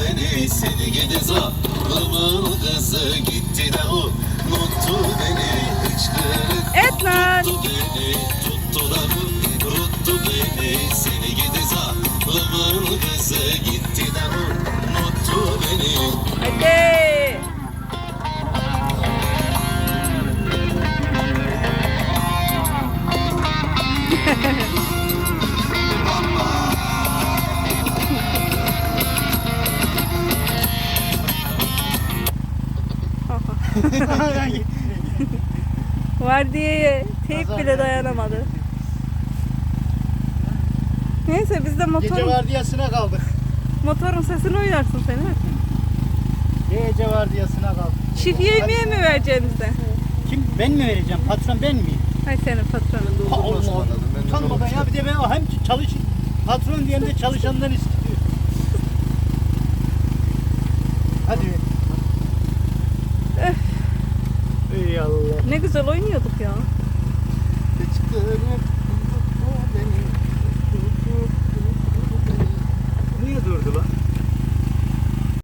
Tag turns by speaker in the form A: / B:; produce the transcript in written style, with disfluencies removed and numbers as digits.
A: beni seni gidi zalımın kızı gitti de unuttu beni hıçkırık
B: Et lan.
A: tuttu beni tuttu da unuttu beni seni gidi zalımın kızı gitti de unuttu beni.
B: Hadi. Vardiyaya teyp bile dayanamadı. Neyse biz de
C: Gece vardiyasına kaldık.
B: motorun sesini uyarsın seni.
C: Gece vardiyasına kaldık.
B: Çift yemeğe mi vereceğiniz de?
C: Kim? Ben mi vereceğim? Patron ben miyim?
B: Hay senin patronun.
C: Allah. Utanmadan ya bir de ben hem patron diyen de çalışandan istiyor. Hadi. Ey Allah.
B: Ne güzel oynuyorduk ya.
C: Hıçkırık tuttu beni.